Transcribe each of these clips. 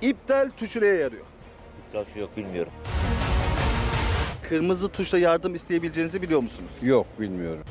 İptal tuşu neye yarıyor? İptal şu yok bilmiyorum. Kırmızı tuşla yardım isteyebileceğinizi biliyor musunuz? Yok, bilmiyorum.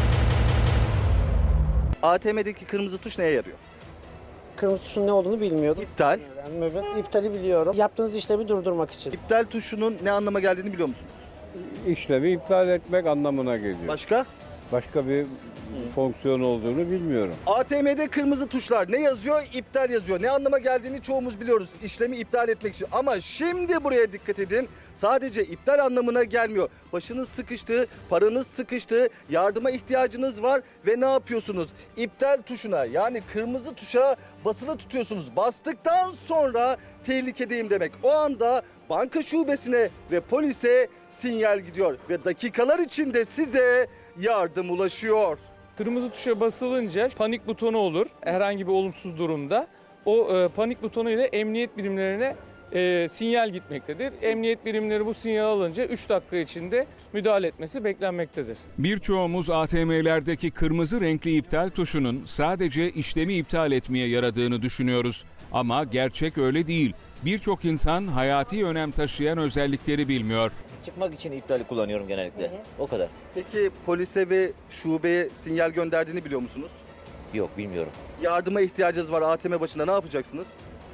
ATM'deki kırmızı tuş neye yarıyor? Kırmızı tuşun ne olduğunu bilmiyordum. İptal. Evet, iptali biliyorum. Yaptığınız işlemi durdurmak için. İptal tuşunun ne anlama geldiğini biliyor musunuz? İşlemi iptal etmek anlamına geliyor. Başka? Başka bir fonksiyon olduğunu bilmiyorum. ATM'de kırmızı tuşlar ne yazıyor? İptal yazıyor. Ne anlama geldiğini çoğumuz biliyoruz. İşlemi iptal etmek için. Ama şimdi buraya dikkat edin. Sadece iptal anlamına gelmiyor. Başınız sıkıştı, paranız sıkıştı, yardıma ihtiyacınız var ve ne yapıyorsunuz? İptal tuşuna yani kırmızı tuşa basılı tutuyorsunuz. Bastıktan sonra tehlikedeyim demek. O anda banka şubesine ve polise sinyal gidiyor ve dakikalar içinde size yardım ulaşıyor. Kırmızı tuşa basılınca panik butonu olur herhangi bir olumsuz durumda. O panik butonu ile emniyet birimlerine sinyal gitmektedir. Emniyet birimleri bu sinyal alınca 3 dakika içinde müdahale etmesi beklenmektedir. Birçoğumuz ATM'lerdeki kırmızı renkli iptal tuşunun sadece işlemi iptal etmeye yaradığını düşünüyoruz. Ama gerçek öyle değil. Birçok insan hayati önem taşıyan özellikleri bilmiyor. Çıkmak için iptali kullanıyorum genellikle. O kadar. Peki polise ve şubeye sinyal gönderdiğini biliyor musunuz? Yok bilmiyorum. Yardıma ihtiyacınız var ATM başında ne yapacaksınız?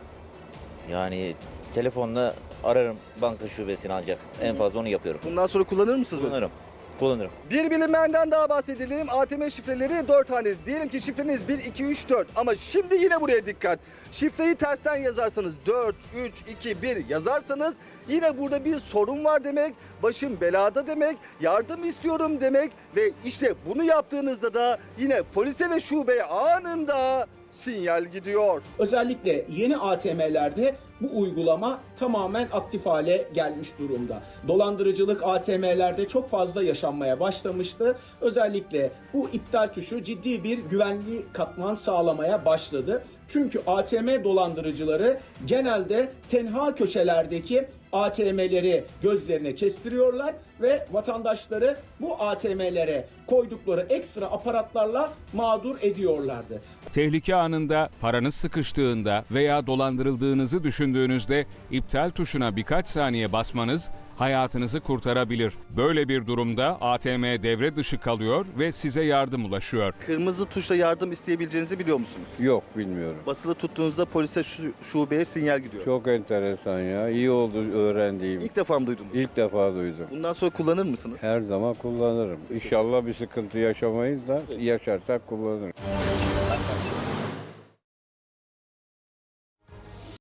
Yani telefonla ararım banka şubesini ancak. En fazla onu yapıyorum. Bundan sonra kullanır mısınız böyle? Kullanırım. Bir bilinmeyenden daha bahsedelim. ATM şifreleri 4 haneli. Diyelim ki şifreniz 1, 2, 3, 4. Ama şimdi yine buraya dikkat. Şifreyi tersten yazarsanız 4, 3, 2, 1 yazarsanız yine burada bir sorun var demek. Başım belada demek. Yardım istiyorum demek. Ve işte bunu yaptığınızda da yine polise ve şubeye anında sinyal gidiyor. Özellikle yeni ATM'lerde bu uygulama tamamen aktif hale gelmiş durumda. Dolandırıcılık ATM'lerde çok fazla yaşanmaya başlamıştı. Özellikle bu iptal tuşu ciddi bir güvenli katman sağlamaya başladı. Çünkü ATM dolandırıcıları genelde tenha köşelerdeki ATM'leri gözlerine kestiriyorlar ve vatandaşları bu ATM'lere koydukları ekstra aparatlarla mağdur ediyorlardı. Tehlike anında, paranız sıkıştığında veya dolandırıldığınızı düşündüğünüzde iptal tuşuna birkaç saniye basmanız hayatınızı kurtarabilir. Böyle bir durumda ATM devre dışı kalıyor ve size yardım ulaşıyor. Kırmızı tuşla yardım isteyebileceğinizi biliyor musunuz? Yok, bilmiyorum. Basılı tuttuğunuzda polise şubeye sinyal gidiyor. Çok enteresan ya. İyi oldu öğrendiğim. İlk defa mı duydunuz? İlk defa duydum. Bundan sonra kullanır mısınız? Her zaman kullanırım. İnşallah bir sıkıntı yaşamayız da yaşarsak kullanırım.